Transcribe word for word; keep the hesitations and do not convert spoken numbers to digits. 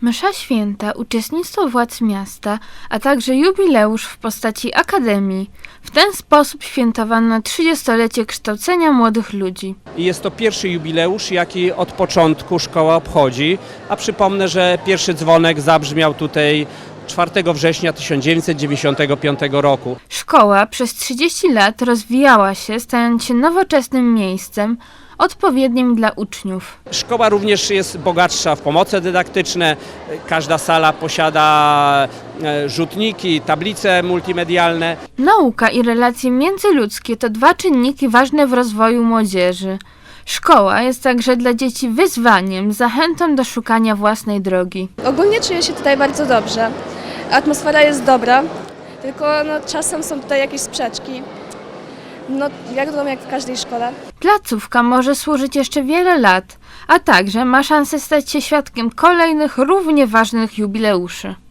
Msza święta, uczestnictwo władz miasta, a także jubileusz w postaci akademii. W ten sposób świętowano trzydziestolecie kształcenia młodych ludzi. I jest to pierwszy jubileusz, jaki od początku szkoła obchodzi, a przypomnę, że pierwszy dzwonek zabrzmiał tutaj czwartego września tysiąc dziewięćset dziewięćdziesiątego piątego roku. Szkoła przez trzydzieści lat rozwijała się, stając się nowoczesnym miejscem, odpowiednim dla uczniów. Szkoła również jest bogatsza w pomoce dydaktyczne. Każda sala posiada rzutniki, tablice multimedialne. Nauka i relacje międzyludzkie to dwa czynniki ważne w rozwoju młodzieży. Szkoła jest także dla dzieci wyzwaniem, zachętą do szukania własnej drogi. Ogólnie czuję się tutaj bardzo dobrze. Atmosfera jest dobra, tylko no, czasem są tutaj jakieś sprzeczki. No, jak wiadomo, jak w każdej szkole. Placówka może służyć jeszcze wiele lat, a także ma szansę stać się świadkiem kolejnych równie ważnych jubileuszy.